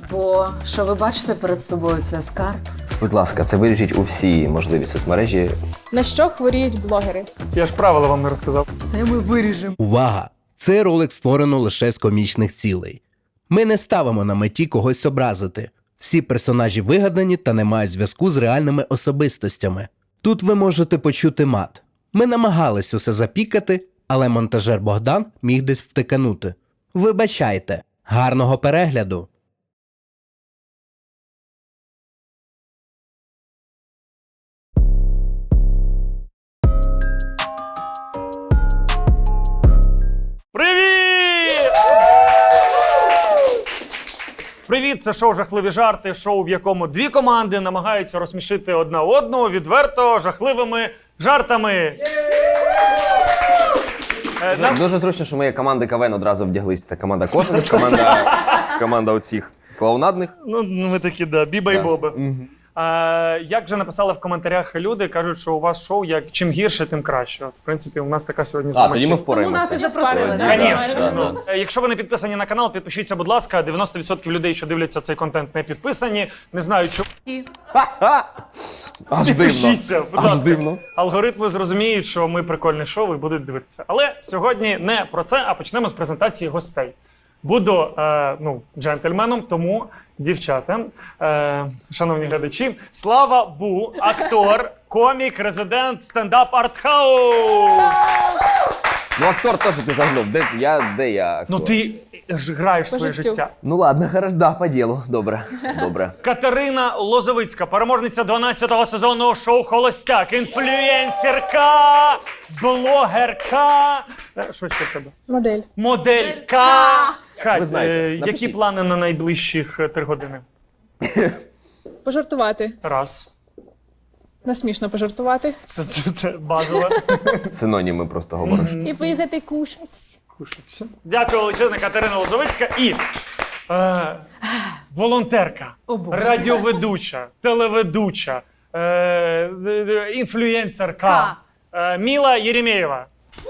Бо що ви бачите перед собою, це скарб. Будь ласка, це вирішіть у всі можливі соцмережі. На що хворіють блогери? Я ж правила вам не розказав. Це ми виріжемо. Увага! Цей ролик створено лише з комічних цілей. Ми не ставимо на меті когось образити. Всі персонажі вигадані та не мають зв'язку з реальними особистостями. Тут ви можете почути мат. Ми намагались усе запікати, але монтажер Богдан міг десь втиканути. Вибачайте. Гарного перегляду! Привіт! Привіт, це шоу «Жахливі жарти», шоу, в якому дві команди намагаються розсмішити одна одну відверто жахливими жартами. Дуже зручно, що ми команди КВН одразу вдяглися. Це команда кожних, команда оцих клоунадних. Ну, ми такі, да, Біба і Боба. Як вже написали в коментарях люди, кажуть, що у вас шоу чим гірше, тим краще. От, в принципі, у нас така сьогодні з вами Тоді ми Тому впораємося. нас і запросили, так? Конечно. Якщо ви не підписані на канал, підпишіться, будь ласка. 90% людей, що дивляться цей контент, не підписані. Не знаю, чому. Аж Підпишіться, дивно. будь Аж ласка. дивно. Алгоритми зрозуміють, що ми прикольне шоу і будуть дивитися. Але сьогодні не про це, а почнемо з презентації гостей. Буду джентльменом, тому, дівчата, шановні глядачі, Слава Бу, актор, комік, резидент, стендап артхаус. Ну, актор теж ти загнув. Де я актор? Ну ти ж граєш своє життю. життя. Ну ладно, хорошо, да, по ділу. Добре, добре. Катерина Лозовицька, переможниця 12-го сезону шоу «Холостяк», інфлюенсерка, блогерка. Що ще в тебе? Модель. Моделька. Кать, Ви знаєте, які напишіть. плани на найближчих 3 години? Пожартувати. Раз. Насмішно пожартувати. Це базове. Синоніми просто говориш. І поїхати кушати. Кушать. Дякую величезне, Катерина Лозовицька. І волонтерка, О, Боже. радіоведуча, телеведуча, інфлюенсерка Міла Єремєєва.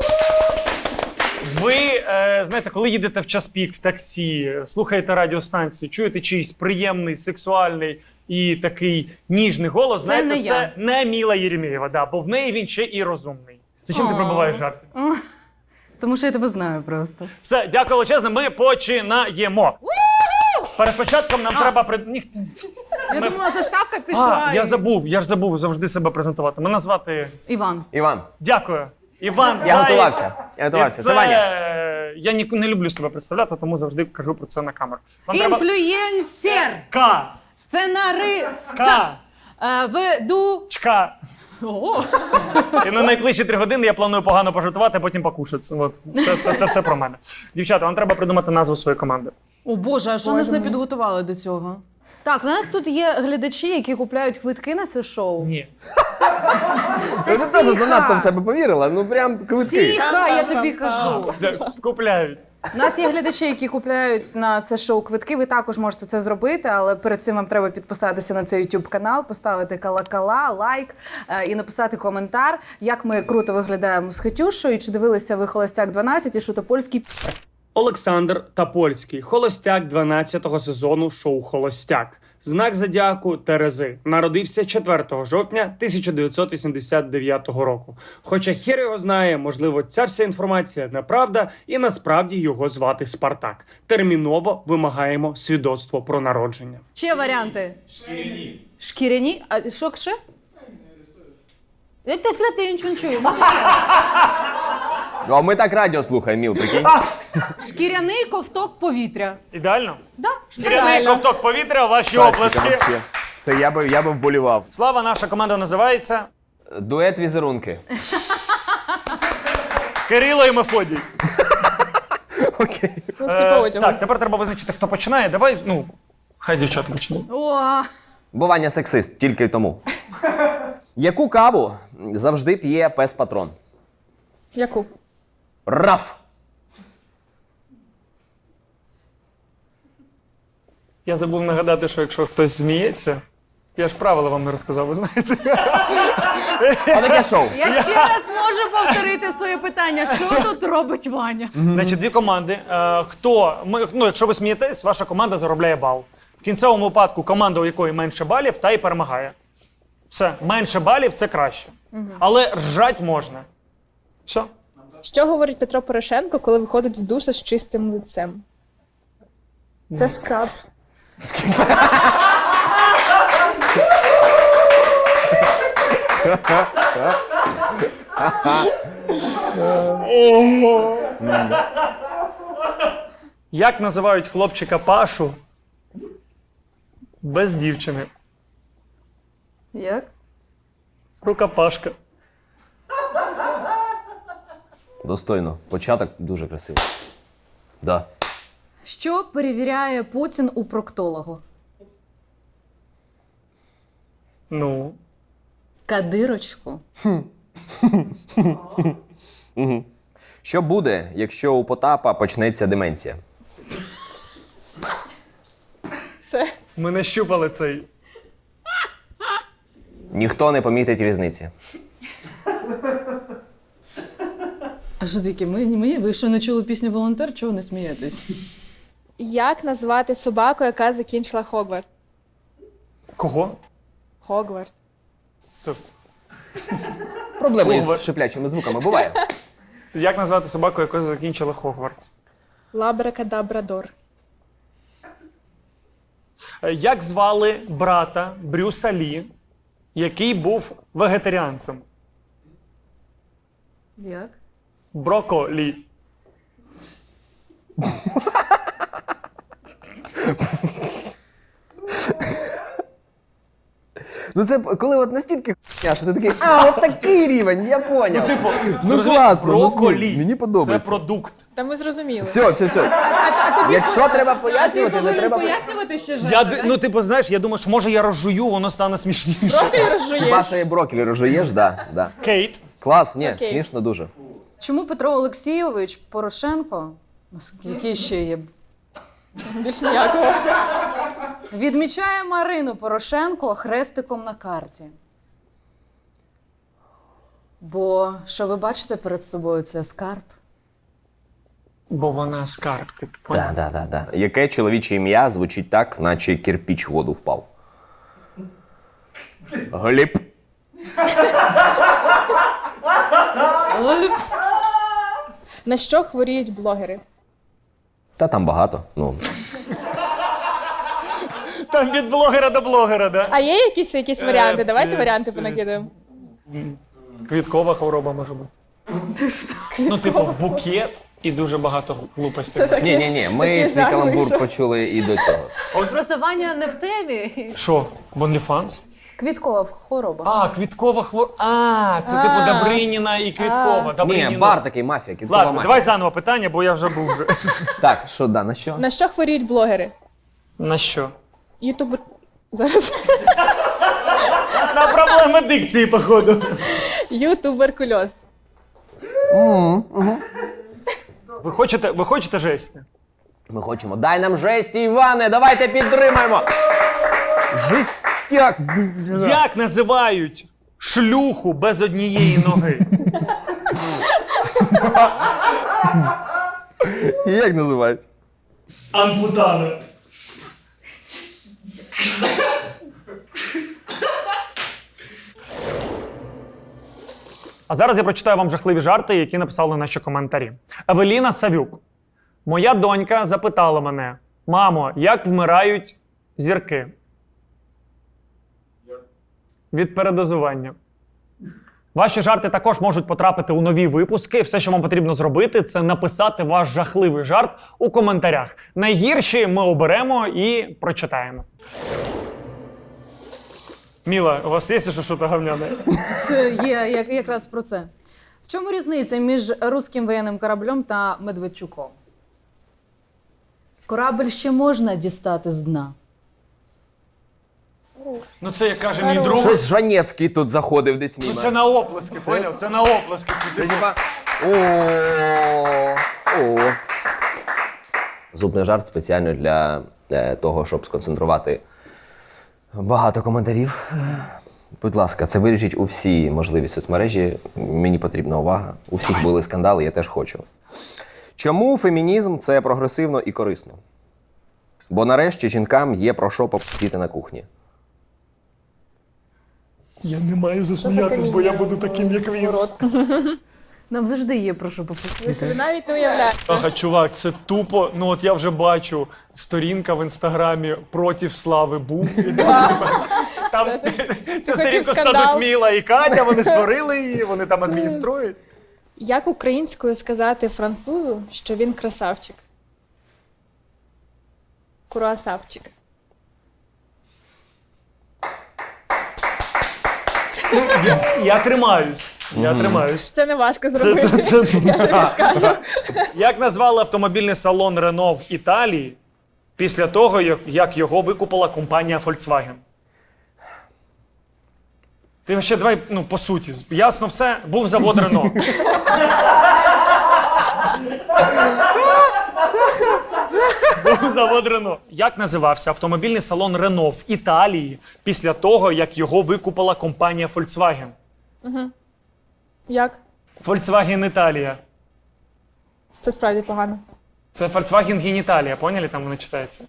Ви, знаєте, коли їдете в час пік в таксі, слухаєте радіостанцію, чуєте чийсь приємний, сексуальний і такий ніжний голос, знаєте, не це я. не Міла Єремєєва, да, бо в неї він ще і розумний. Зачем ти пробиваєш жарти? Тому що я тебе знаю просто. Все, дякую величезне, ми починаємо. Перед початком нам треба... Я думала, заставка пішла. Я ж забув завжди себе презентувати. Мене звати... Іван. Іван, Дякую. Іван я Заєць. готувався. Я готувався. Це Ваня. Я не люблю себе представляти, тому завжди кажу про це на камеру. Вам Інфлюєнсер. К. Сценарист. К. Веду. Чка. О, І на найближчі 3 години я планую погано пожартувати, а потім покушати. От. Це все про мене. Дівчата, вам треба придумати назву своєї команди. О Боже, а що нас не підготували до цього? Так, у нас тут є глядачі, які купляють квитки на це шоу. Ні. Ви теж занадто в себе повірила, ну прям квитки. Тихо, я тобі кажу. Купляють. У нас є глядачі, які купляють на це шоу квитки. Ви також можете це зробити, але перед цим вам треба підписатися на цей YouTube канал, поставити колокола, лайк і написати коментар, як ми круто виглядаємо з Хетюшою, і чи дивилися ви «Холостяк 12» і Шутопольський. Олександр Тапольський, холостяк 12-го сезону шоу «Холостяк». Знак зодіаку Терези. Народився 4 жовтня 1989 року. Хоча хер його знає, можливо, ця вся інформація неправда, і насправді його звати Спартак. Терміново вимагаємо свідоцтво про народження. Ще варіанти. Шкіряні. Шкіряні? А що ще? Я нічого не чую. Може, Ну, а ми так радіо слухаємо, Міл, прикинь. шкіряний ковток повітря. Ідеально? Да? Шкіряний ковток повітря, ваші Класика оплески. вообще. Це я би вболівав. Слава, наша команда називається Дует візерунки. Кирило і Мефодій. Окей. Ми всі по одягу. Так, тепер треба визначити, хто починає. Давай, хай дівчата почнуть. О, Бо Ваня сексист, тільки тому. Яку каву завжди п'є пес-патрон? Яку? Раф! Я забув нагадати, що якщо хтось зміється, я ж правила вам не розказав, ви знаєте. Отаке шоу. я ще раз можу повторити своє питання. Що тут робить Ваня? Значить, 2 команди. Якщо ви смієтесь, ваша команда заробляє бал. В кінцевому випадку команда, у якої менше балів, та й перемагає. Все, менше балів – це краще. Але ржать можна. Все. Що говорить Петро Порошенко, коли виходить з душа з чистим лицем? Це скраб. Як називають хлопчика Пашу без дівчини? Як? Рукопашка. Достойно. Початок дуже красивий. Да. Що перевіряє Путін у проктологу? Ну. Кадирочку. Що буде, якщо у Потапа почнеться деменція? Це Ми не щупали цей. Ніхто не помітить різниці. А що таке? Ви що не чули пісню «Волонтер»? Чого не смієтесь? як назвати собаку, яка закінчила Хогвартс? Кого? Хогвартс. Проблеми Хогвартс. з шиплячими звуками буває. Як назвати собаку, яка закінчила Хогвартс? Лабракадабрадор. Як звали брата Брюса Лі, який був вегетаріанцем? Як? Броколі. Ну це коли от настільки хуйня, що ти такий, от такий рівень, я поняв. Зрозумів, класно, броколі. мені подобається. Це продукт. Та ми зрозуміли. Все. Якщо треба пояснювати, не треба пояснювати ще Знаєш, я думаю, що може я розжую, воно стане смішніше. Трохи розжуєш. Паша і брокколі розжуєш, да. Кейт. Клас, ні, Окей. смішно дуже. Чому Петро Олексійович Порошенко, який ще є, Більш ніякого. відмічає Марину Порошенко хрестиком на карті? Бо що ви бачите перед собою, це скарб. Бо вона скарб, ти поняв? Да. Яке чоловіче ім'я звучить так, наче кирпіч в воду впав? Гліб. На що хворіють блогери? Та там багато. Ну, Там від блогера до блогера, да? А є якісь варіанти? Давайте варіанти понакидаємо. Квіткова хвороба може бути. Ну, типу, букет і дуже багато глупостей. ні, ми Такий цей жах каламбур вийшов. почули і до цього. Просто Ваня не в темі. Що, в OnlyFans? Квіткова хвороба. А, квіткова хвороба. А, це типу Добриніна і Квіткова. Ні, бар такий, мафія, кіткова Ладно, мафія. давай заново питання, бо я вже був вже. Так, що, да, на що? На що хворіють блогери? На що? Ютубер... Зараз. На проблеми дикції, походу. Ютуберкульоз. Ви хочете жесті? Ми хочемо. Дай нам жесті, Іване, давайте підтримаємо. Жестяк. Як називають шлюху без однієї ноги? Як називають? Ампутана. А зараз я прочитаю вам жахливі жарти, які написали наші коментарі. Евеліна Савюк. Моя донька запитала мене: мамо, як вмирають зірки? Від передозування. Ваші жарти також можуть потрапити у нові випуски. Все, що вам потрібно зробити, це написати ваш жахливий жарт у коментарях. Найгірші ми оберемо і прочитаємо. Міла, у вас є щось говняне? Це є якраз про це. В чому різниця між руським воєнним кораблем та Медведчуком? Корабль ще можна дістати з дна. Ну це, як каже мій друг, Щось Жанецький тут заходив десь мимо. це на оплески, поняв? Це на оплески. Це типа... О. Зубний жарт спеціально для того, щоб сконцентрувати багато коментарів. Будь ласка, це вирішіть у всі можливі соцмережі. Мені потрібна увага. У всіх були скандали, я теж хочу. Чому фемінізм – це прогресивно і корисно? Бо нарешті жінкам є про що попустити на кухні. Я не маю засміятись, бо я буду таким, як він. Нам завжди є про що попустити. Ви собі навіть не уявляєте. Ага, чувак, це тупо. Ну от я вже бачу сторінка в інстаграмі проти Слави Бу. Там цю сторінку скандал. стадуть Міла і Катя, вони створили її, вони там адмініструють. Як українською сказати французу, що він красавчик? Круасавчик. Я тримаюсь. Я тримаюсь. Це не важко зробити. Я тобі скажу. Як назвали автомобільний салон Renault в Італії після того, як його викупила компанія Volkswagen? Ти ще давай, ну, по суті, ясно все, був завод Renault. Був завод Renault. Як називався автомобільний салон Renault в Італії після того, як його викупила компанія Volkswagen? Як? Volkswagen Італія. Це справді погано. Це Volkswagen Геніталія, поняли? Там воно читається.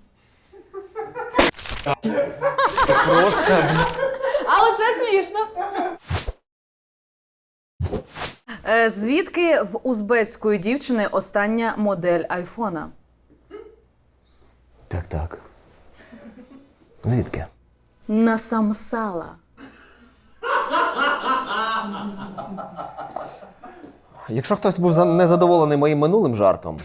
Просто. А оце смішно. Звідки в узбецької дівчини остання модель айфона? Так. Звідки? Насамсала. Якщо хтось був незадоволений моїм минулим жартом,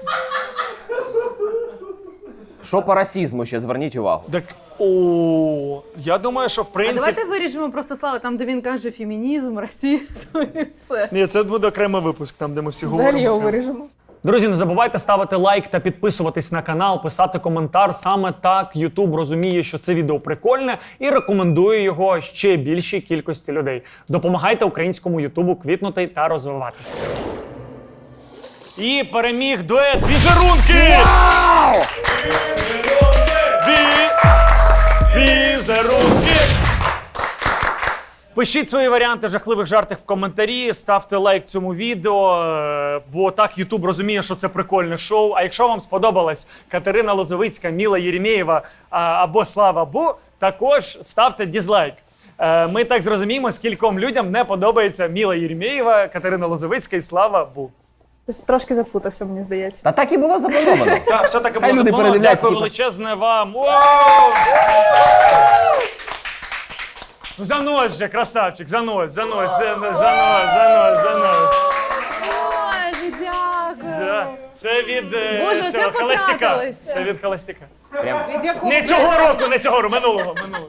що по расізму ще зверніть увагу. Так, я думаю, що в А принципі... давайте виріжемо просто Слава, там, де він каже фемінізм, расизм і все. Ні, це буде окремий випуск, там, де ми всі Взагалі говоримо. його виріжемо. Друзі, не забувайте ставити лайк та підписуватись на канал, писати коментар. Саме так YouTube розуміє, що це відео прикольне і рекомендує його ще більшій кількості людей. Допомагайте українському Ютубу квітнути та розвиватися. І переміг дует «Візерунки». Візерунки! Пишіть свої варіанти жахливих жартів в коментарі, ставте лайк цьому відео, бо так YouTube розуміє, що це прикольне шоу. А якщо вам сподобалась Катерина Лозовицька, Міла Єремєєва або Слава Бу, також ставте дізлайк. Ми так зрозуміємо, скільком людям не подобається Міла Єремєєва, Катерина Лозовицька і Слава Бу. Ти трошки заплутався, мені здається. Та так і було заплановано. Так, все таки Хай було люди заплановано. передивляться, Дякую типу. величезне вам. Ну, занось же, красавчик, занось. Боже, дякую. Да. Це від Боже, цього оце холостяка. потратились. Це від холостяка. Прям Від якого Не цього року, минулого.